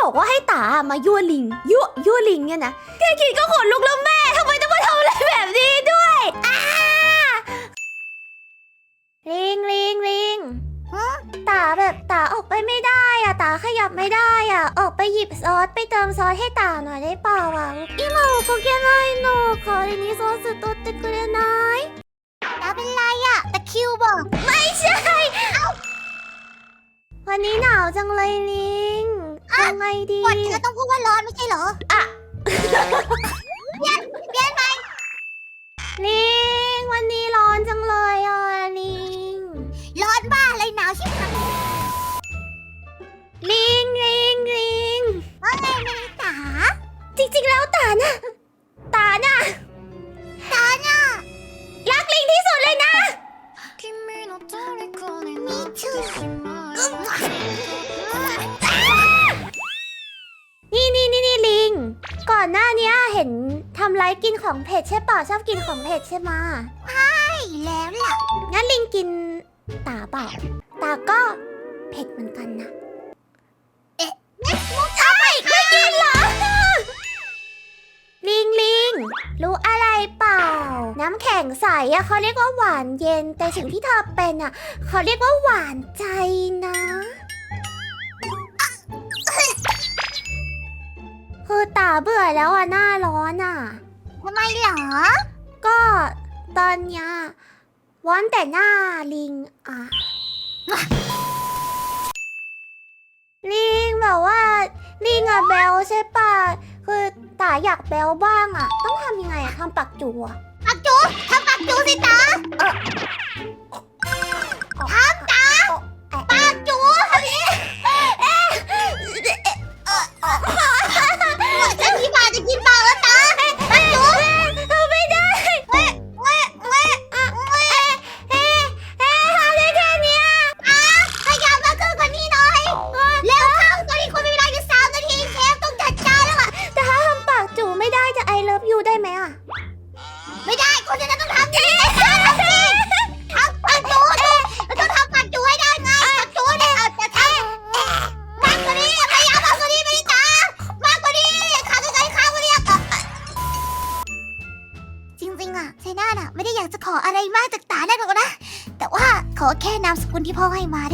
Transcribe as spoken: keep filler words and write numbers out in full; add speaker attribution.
Speaker 1: บอกว่าให้ตามายั่วลิงยั่วยั่วลิงเนี่ยนะแค่คิดก็ขนลุกแล้วแม่ทำไมต้องมาทำอะไรแบบนี้ด้วยอ้าลิงลิงลิงตาแบบตาออกไปไม่ได้อะตาขยับไม่ได้อะออกไปหยิบซอสไปเติมซอสให้ตาหน่อยได้เปล่าอะอิโมโกเกะไนโนขอที่นี้ซอสตัวเตกุเรไนตาเป็นไรอะตะคิวบอกไม่ใช่วันนี้หนาวจังเลยลิงยังไงดีวันนี้ต้องพูดว่าร้อนไม่ใช่เหรออะเปลี่ยนเปลี่ยนไหมลิงวันนี้ร้อนจังเลยอ่ะลิงร้อนบ้าอะไรหนาวชิบหายลิงลิงลิงว่าไงไม่ได้ตาจริงๆแล้วตาน่ะตาน่ะตาน่ะรักลิงที่สุดเลยนะมีชื่อนี่นี่นี่นี่ลิงก่อนหน้านี้เห็นทำไรกินของเผ็ดใช่ป่ะชอบกินของเผ็ดใช่ไหมใช่แล้วล่ะงั้นลิงกินตาเปล่าตาก็เผ็ดเหมือนกันนะเอ๊ะใช่ไม่กินเหรอลิงลิงรู้อะไรเปล่าน้ำแข็งใสอะเขาเรียกว่าหวานเย็นแต่สิ่งที่เธอเป็นอะเขาเรียกว่าหวานใจนะคือตาเบื่อแล้วอะหน้าร้อนอะทำไมเหรอก็ตอนเนี้ยร้อนแต่หน้าลิงอะลิงแบบว่าลิงอะแบลใช่ป่ะคือตาอยากแบลบ้างอะต้องทำยังไงอะทำปักจูอะปักจูทำปักจูสิตาทำตาปักจูทำนี้จะกินปลาจะกินปลาแล้วตาปักจูทำไม่ได้เฮ้เฮ้เฮ้เฮ้เฮ้เฮ้เฮ้ทำได้แค่นี้อ่ะขยับมาขึ้นกว่านี้หน่อยเร็วเข้าตอนนี้คุณมีเวลาอยู่สามนาทีเชฟต้องจัดการแล้วอ่ะแต่ถ้าทำปากจูไม่ได้จะไอเลิฟยูได้ไหมอ่ะไม่ได้คุณจะต้องทำดีทำดีทำปากจูเราต้องทำปากจูให้ได้ไงปากจูเนี่ยเอาจะทำมากกว่านี้พยายามมากกว่านี้ไม่ได้ตามากกว่านี้ขาไกลๆขาไกลๆจริงๆอ่ะไชน่าน่ะไม่ได้อยากจะขออะไรมากจากตาได้หรอกนะแต่ว่าขอแค่นามสกุลที่พ่อให้มาได้